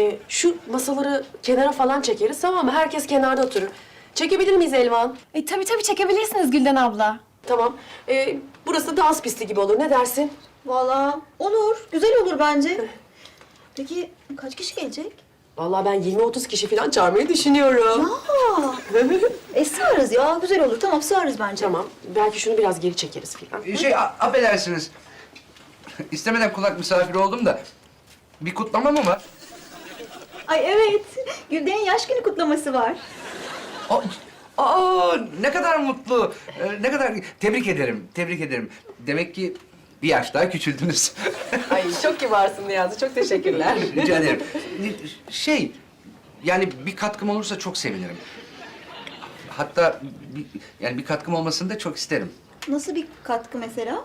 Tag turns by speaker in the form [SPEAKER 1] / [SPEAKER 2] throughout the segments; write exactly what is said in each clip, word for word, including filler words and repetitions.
[SPEAKER 1] Ee, şu masaları kenara falan çekeriz, tamam mı? Herkes kenarda oturur. Çekebilir miyiz Elvan?
[SPEAKER 2] E, tabii tabii çekebilirsiniz Gülden abla.
[SPEAKER 1] Tamam. Ee, burası dans pisti gibi olur. Ne dersin?
[SPEAKER 3] Vallahi olur, güzel olur bence. Peki kaç kişi gelecek?
[SPEAKER 1] Vallahi ben yirmi otuz kişi falan çağırmayı düşünüyorum.
[SPEAKER 3] Aa, e sığarız ya, güzel olur. Tamam, sığarız bence.
[SPEAKER 1] Tamam. Belki şunu biraz geri çekeriz falan.
[SPEAKER 4] Şey, a- affedersiniz. İstemeden kulak misafiri oldum da. Bir kutlama mı var?
[SPEAKER 3] Ay evet, Gülden'in yaş günü kutlaması var.
[SPEAKER 4] Aa, aa, ne kadar mutlu. Ee, ne kadar... Tebrik ederim, tebrik ederim. Demek ki bir yaş daha küçüldünüz.
[SPEAKER 1] Ay çok kibarsın Niyazi. Çok teşekkürler.
[SPEAKER 4] Rica ederim. Şey, yani bir katkım olursa çok sevinirim. Hatta bir, yani bir katkım olmasını da çok isterim.
[SPEAKER 3] Nasıl bir katkı mesela?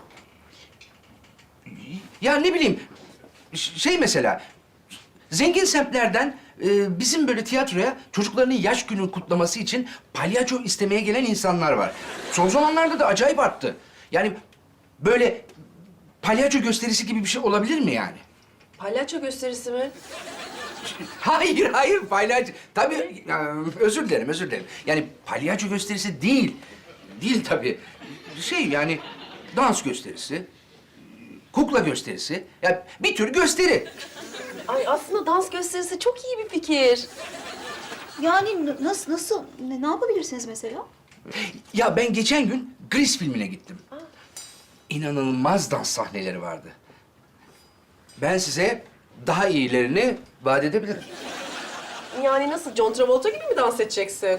[SPEAKER 4] Ya ne bileyim, ş- şey mesela, zengin semtlerden e, bizim böyle tiyatroya çocuklarının yaş günü kutlaması için palyaço istemeye gelen insanlar var. Son zamanlarda da acayip arttı. Yani böyle palyaço gösterisi gibi bir şey olabilir mi yani?
[SPEAKER 1] Palyaço gösterisi mi?
[SPEAKER 4] Hayır, hayır palyaço. Tabii, ya, özür dilerim, özür dilerim. Yani palyaço gösterisi değil. Değil tabii. Şey yani dans gösterisi, kukla gösterisi. Ya bir tür gösteri.
[SPEAKER 1] Ay aslında dans gösterisi çok iyi bir fikir.
[SPEAKER 3] Yani n- nasıl, nasıl, ne, ne yapabilirsiniz mesela?
[SPEAKER 4] Ya ben geçen gün Grease filmine gittim. İnanılmaz dans sahneleri vardı. Ben size daha iyilerini vaat edebilirim.
[SPEAKER 1] Yani nasıl? John Travolta gibi mi dans edeceksin?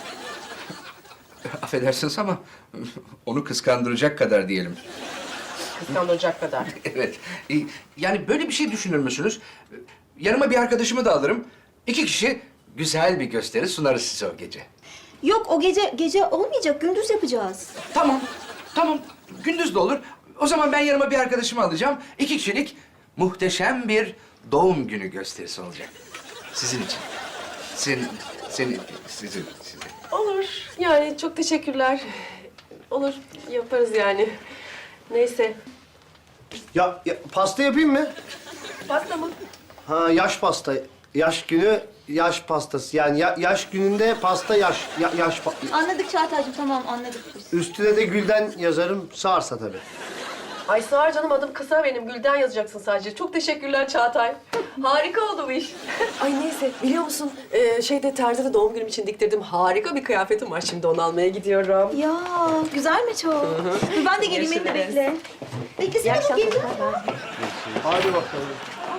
[SPEAKER 4] Affedersiniz ama onu kıskandıracak kadar diyelim.
[SPEAKER 1] Kıskandıracak kadar.
[SPEAKER 4] Evet. Ee, Yani böyle bir şey düşünür müsünüz? Yanıma bir arkadaşımı da alırım. İki kişi güzel bir gösteri sunarız size o gece.
[SPEAKER 3] Yok, o gece gece olmayacak, gündüz yapacağız.
[SPEAKER 4] Tamam, tamam. Gündüz de olur. O zaman ben yanıma bir arkadaşımı alacağım. İki kişilik muhteşem bir doğum günü gösterisi olacak. Sizin için. Senin, senin, sizin, sizin.
[SPEAKER 1] Olur. Yani çok teşekkürler. Olur. Yaparız yani. Neyse.
[SPEAKER 5] Ya, ya pasta yapayım mı?
[SPEAKER 1] Pasta mı?
[SPEAKER 5] Ha, yaş pasta. Yaş günü yaş pastası. Yani ya- yaş gününde pasta yaş ya- yaş pa-
[SPEAKER 3] Anladık Çağatay'cığım, tamam anladık biz.
[SPEAKER 5] Üstüne de Gülden yazarım. Sağarsa tabii.
[SPEAKER 1] Ay sağır canım, adım kısa benim. Gülden yazacaksın sadece. Çok teşekkürler Çağatay. Harika oldu bu iş. Ay neyse, biliyor musun? Ee, şeyde terzide doğum günüm için diktirdim. Harika bir kıyafetim var. Şimdi onu almaya gidiyorum.
[SPEAKER 3] Ya güzel mi çok? Dur ben de geleyim, beni de
[SPEAKER 1] Görüşürüz.
[SPEAKER 3] bekle. Beklesene bakayım.
[SPEAKER 5] Hadi bakalım.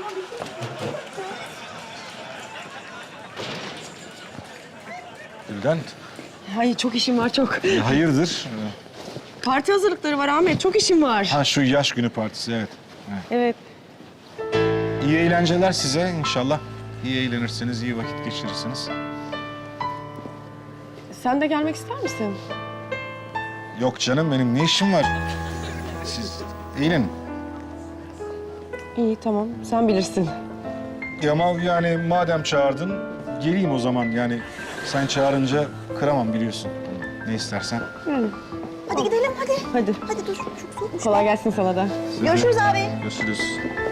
[SPEAKER 6] Gülden,
[SPEAKER 7] Ay çok işim var çok.
[SPEAKER 6] e, hayırdır?
[SPEAKER 7] Parti hazırlıkları var Ahmet. Çok işim var.
[SPEAKER 6] Ha şu yaş günü partisi, evet.
[SPEAKER 7] Evet.
[SPEAKER 6] İyi eğlenceler size inşallah. İyi eğlenirsiniz, iyi vakit geçirirsiniz.
[SPEAKER 7] Sen de gelmek ister misin?
[SPEAKER 6] Yok canım, benim ne işim var? Siz eğlenin.
[SPEAKER 7] İyi tamam. Sen bilirsin.
[SPEAKER 6] Ya ama yani madem çağırdın, geleyim o zaman. Yani sen çağırınca kıramam biliyorsun. Ne istersen.
[SPEAKER 7] Yani.
[SPEAKER 3] Hadi gidelim hadi.
[SPEAKER 7] Hadi.
[SPEAKER 3] Hadi dur, çok soğukmuş.
[SPEAKER 7] Kolay gelsin sana da.
[SPEAKER 6] Size de
[SPEAKER 3] Görüşürüz abi.
[SPEAKER 6] Görüşürüz.